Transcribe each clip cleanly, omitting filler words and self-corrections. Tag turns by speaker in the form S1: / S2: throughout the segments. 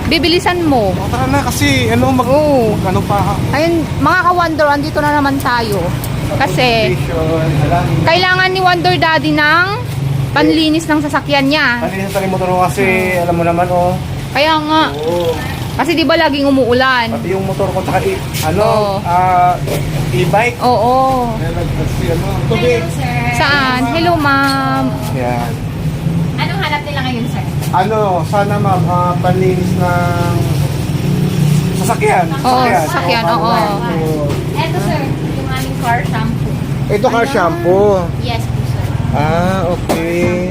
S1: Bibilisan mo.
S2: O, tara na kasi ano
S1: Oo.
S2: ano pa.
S1: Ayun, mga ka-Wonder, andito na naman tayo. Kasi, kailangan ni Wonder Daddy ng panlinis ng sasakyan niya.
S2: Kanina sa motor ko kasi alam mo naman
S1: Kaya nga.
S2: Oo.
S1: Kasi di ba laging umuulan?
S2: Pati yung motor ko tsaka
S1: Oo.
S2: e-bike.
S1: Oo.
S2: Kasi ano, tubig.
S3: sir.
S1: Saan? Hello, ma'am.
S2: Yan.
S3: Anong hanap nila ngayon, sir?
S2: Ano, sana ma'am, panlinis ng sasakyan.
S1: Oo, sasakyan, oo.
S3: Eto, sir, yung aming car shampoo.
S2: Ito car shampoo.
S3: Yes po, sir.
S2: Okay.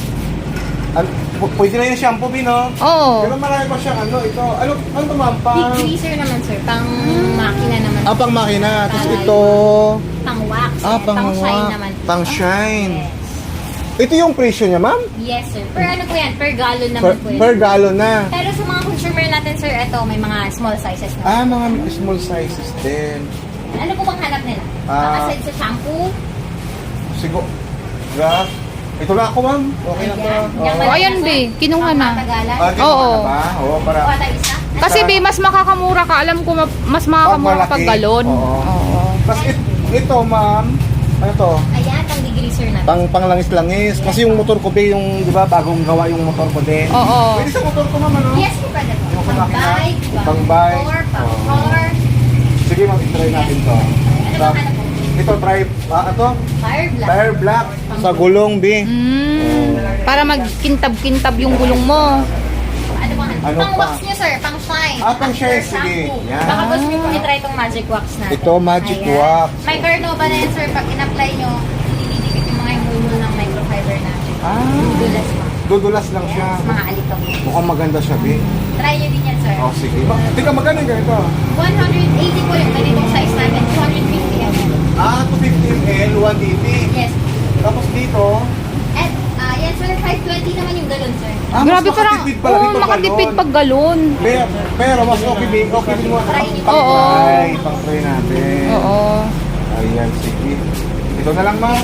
S2: Pwede na yung shampoo, Bino.
S1: Oo.
S2: Pero marami pa siyang ito. Ano to ma'am?
S3: Degreaser naman, sir. Pang makina naman.
S2: Pang makina. Tapos ito.
S3: Pang wax.
S2: Pang
S3: shine naman.
S2: Pang shine.
S3: Yes.
S2: Ito yung presyo niya, ma'am?
S3: Yes, sir. Per ano po yan? Per gallon naman po yan.
S2: Per gallon na.
S3: Pero sa mga consumer natin, sir, ito, may mga small sizes na.
S2: Mga small sizes din.
S3: Ano po bang hanap nila? Aside sa shampoo?
S2: Siguro. Graph. Ito na ako, ma'am. Okay na to.
S3: Ayan.
S1: O, ayan, be. Kinuha na.
S3: Matagalan.
S1: Oo.
S2: Oo, para.
S3: O, ata isa?
S1: Kasi, be, mas makakamura ka. Alam ko, mas makakamura
S2: malaki.
S1: pag galon.
S2: Oo. Tapos ito, ma'am. Ano to?
S3: Ayan, pang degreaser natin.
S2: Panglangis-langis. Kasi yung motor ko, be, yung, di ba, bagong gawa yung motor ko din.
S1: Oo.
S2: Pwede sa motor ko, ma'am, ano?
S3: Yes, po, pwede po.
S2: Yung
S3: Pang
S2: makina,
S3: bike,
S2: pang bike.
S3: motor, pang
S2: Oo.
S3: car.
S2: Sige, ma'am, try natin to.
S3: Ano bang hanap po?
S2: Ito, try, ito?
S3: Fire black.
S2: Tire black. Sa gulong, be.
S1: Para magkintab-kintab yung gulong mo.
S3: Ano bang hanap?
S2: Ano
S3: Pang
S2: pa?
S3: wax nyo, sir. Pang shine.
S2: Pang shine,
S3: After
S2: sige.
S3: shampoo.
S2: Yan.
S3: Baka gusto nyo po i-try itong magic wax natin.
S2: Ito, magic
S3: Ayan.
S2: wax.
S3: May Carnova na yan, sir. Pag in-apply nyo, didikit yung mga humulo ng microfiber natin. Dulas pa.
S2: Dudulas lang siya.
S3: Mga alikabok.
S2: Mukhang maganda siya, be.
S3: Try nyo din yan, sir.
S2: Oh, sige. Tika, magkano yung ganito?
S3: 180 po yung ganitong size natin. 250 yan.
S2: 250 ml, 180.
S3: Yes.
S2: Tapos dito,
S3: At, yan, sir. 520 naman yung galon, sir.
S1: Grabe,
S2: mas
S1: parang,
S2: makatipid pala
S1: oo,
S2: dito,
S1: makatipid
S2: galon.
S1: pag galon.
S2: Pero mas okay din mo.
S3: Try nyo.
S1: Oo.
S2: Pang-try natin.
S1: Oo.
S2: Ayan, sige. Ito na lang, ma'am.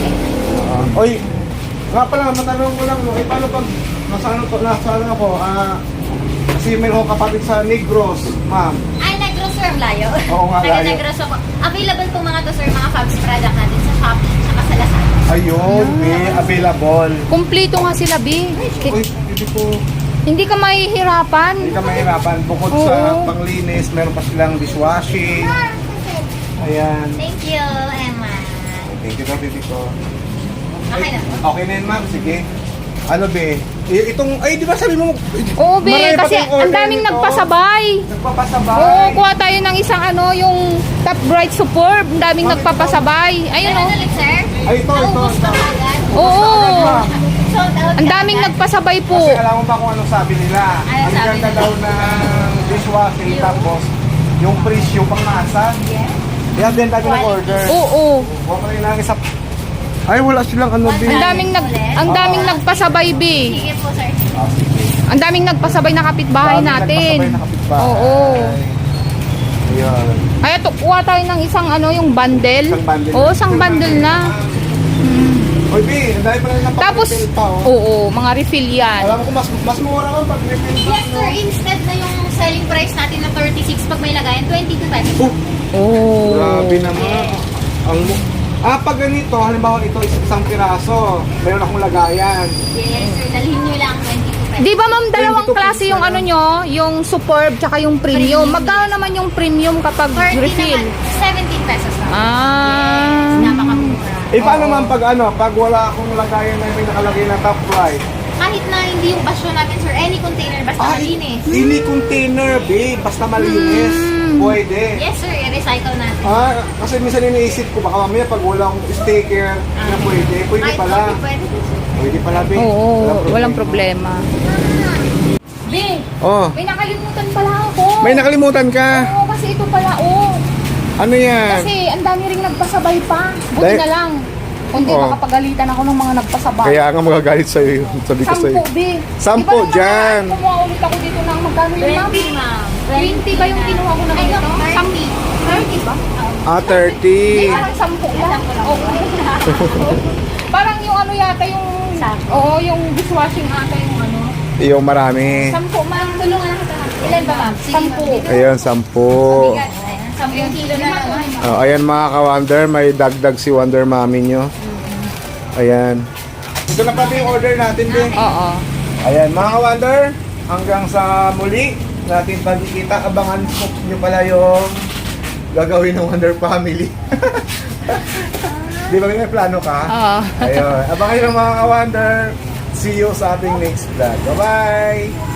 S2: Oy, nga pala, matanong ko lang, no, paano pag nasaan ako, kasi meron akong kapatid sa Negros, ma'am.
S3: Ay, Negros, sir. Ang layo.
S2: Oo nga,
S3: Taga
S2: layo.
S3: Negros ako. Available po mga to, sir. Mga Fabs product natin sa Shopee at sa Lazada.
S2: Ayun, available.
S1: Kumpleto nga sila, be.
S2: Uy, hindi po.
S1: Hindi ka mahihirapan.
S2: Hindi ka mahirapan. Bukod
S1: Oo.
S2: sa panglinis, meron pa silang dishwashing. Ayan.
S3: Thank you, Emma.
S2: Thank you, baby ko.
S3: Okay na.
S2: Okay na yun, ma'am. Sige. Ano, be? Itong, ay, di ba sabi mo?
S1: Oo, be.
S2: marami pa
S1: Kasi
S2: tayong
S1: ang
S2: order
S1: daming
S2: nito.
S1: nagpasabay.
S2: Nagpapasabay.
S1: Oo, kuha tayo ng isang yung Top Bright Superb. Ang daming
S2: Bakit
S1: nagpapasabay. Ayun,
S3: Ano
S1: oh.
S3: ulit, sir?
S2: Ay, ito.
S3: Naubos pa agad.
S1: Oo.
S2: Ma'am.
S3: Sold out
S1: Ang daming
S3: agad.
S1: nagpasabay po.
S2: Kasi alam mo ba kung anong sabi nila?
S3: Ano
S2: Ang
S3: sabi
S2: ganda
S3: nila?
S2: daw ng dishwashing, tapos yung presyo pang masa.
S3: Yes.
S2: Kaya din tayo nag-order.
S1: Oo.
S2: Huwag kayo lang isa. Ay, wala silang ano, be.
S1: Ang daming nagpasabay, be.
S3: Sige po, sir.
S2: Sige.
S1: Ang daming nagpasabay na kapitbahay
S2: Daming
S1: natin.
S2: nagpasabay na kapitbahay.
S1: Oo.
S2: Ayan.
S1: Kaya kuha tayo ng isang yung bundle.
S2: Isang bundle.
S1: Oo, isang bundle na.
S2: Oy, be, ang dami pa rin ng
S1: Tapos,
S2: pag-refill pa, oh.
S1: oo, mga refill yan.
S2: Alam ko, mas mura ka pag refill pa.
S3: Yes, sir. Instead na yung selling price natin na 36 pag may lagayan, 22 pesos.
S1: Oo.
S2: Grabe naman. Pag ganito, halimbawa ito isang piraso, meron akong lagayan.
S3: Yes, sir. Dalhin nyo lang 22 pesos.
S1: Di ba ma'am, dalawang
S2: 22
S1: klase yung
S2: pesos na
S1: nyo? Yung superb tsaka yung premium. Magkano naman yung premium kapag
S3: 30
S1: refill?
S3: naman, 17 pesos lang.
S1: Ah.
S3: Yes, napakamura.
S2: Paano naman pag wala akong lagayan na may nakalagay na top price?
S3: Kahit na hindi yung basyo natin, sir, any container, basta malinis.
S2: Ini container, babe, basta malinis. Pwede.
S3: Yes, sir. I-recycle natin.
S2: Kasi minsan iniisip ko, baka mamaya pag walang sticker na pwede
S3: Kahit
S2: pala.
S3: coffee, pwede.
S2: Pwede pala, babe.
S1: Oo, walang problema. Be,
S2: Oh,
S1: may nakalimutan pala ako.
S2: may nakalimutan ka.
S1: Oo, kasi ito pala,
S2: Ano yan?
S1: Kasi ang dami ring nagpasabay pa. Buti
S2: Dahil-
S1: na lang. Kundi
S2: Oo.
S1: makapagalitan ako ng mga nagpasabay.
S2: Kaya nga magagalit sa'yo yun. Sabi ko sa'yo.
S1: 10, be.
S2: Sampu,
S1: Di ba nung
S2: dyan.
S1: Kumuha ulit ako dito ng magkano yun, ma'am?
S3: 20, ma'am.
S1: 20 ba yung kinuha ko na
S3: Ay,
S1: ganito?
S3: no, 30.
S1: 30 ba?
S2: 30.
S1: Hindi, parang 10 lang. Oo. Parang yung ano yata yung...
S3: Sakto.
S1: Oo, yung dishwashing ata yung ano.
S2: Yung marami.
S1: 10, ma'am.
S3: Tulungan ako. Ilan ba, ma'am? Sige,
S1: Sampu.
S3: ma'am.
S2: Ayan, 10.
S3: Ayan, 10 kilo na naman.
S2: Ayan mga ka-Wonder, may dagdag si Wonder Mami nyo. Ayan. Ito na pati yung order natin din.
S1: Oo.
S2: Ayan mga ka-Wonder, hanggang sa muli natin pagkikita. Abangan nyo pala yung gagawin ng Wonder Family. Di ba may plano ka?
S1: Oo.
S2: Ayun. Abangan nyo mga ka-Wonder. See you sa ating next vlog. Bye-bye!